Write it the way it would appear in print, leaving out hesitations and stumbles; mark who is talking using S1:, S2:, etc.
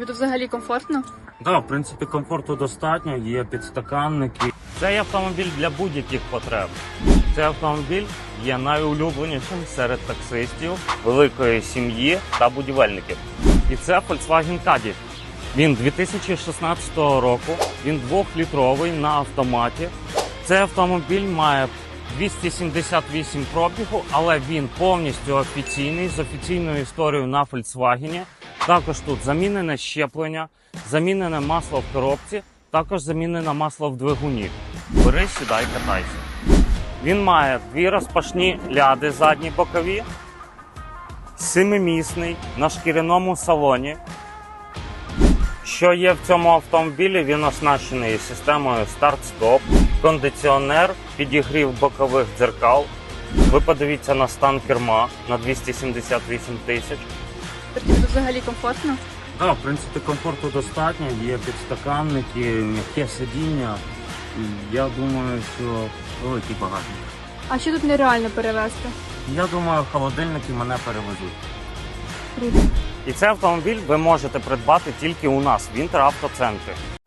S1: Тут взагалі комфортно?
S2: Так, в принципі, комфорту достатньо, є підстаканники. Цей автомобіль для будь-яких потреб. Цей автомобіль є найулюбленішим серед таксистів, великої сім'ї та будівельників. І це Volkswagen Caddy. Він 2016 року, він 2-літровий на автоматі. Цей автомобіль має 278 пробігу, але він повністю офіційний, з офіційною історією на Volkswagen. Також тут замінене щеплення, замінене масло в коробці, також замінене масло в двигуні. Бери, сідай, катайся. Він має 2 розпашні ляди задні бокові, 7-місний на шкіряному салоні. Що є в цьому автомобілі, він оснащений системою старт-стоп, кондиціонер, підігрів бокових дзеркал. Ви подивіться на стан керма на 278 тисяч.
S1: Тобто тут взагалі комфортно?
S2: Так, в принципі, комфорту достатньо, є підстаканники, м'яке сидіння. Я думаю, що великий багажник.
S1: А що тут нереально перевезти?
S2: Я думаю, холодильники мене перевезуть.
S1: Круто.
S2: І цей автомобіль ви можете придбати тільки у нас в Інтеравтоцентрі.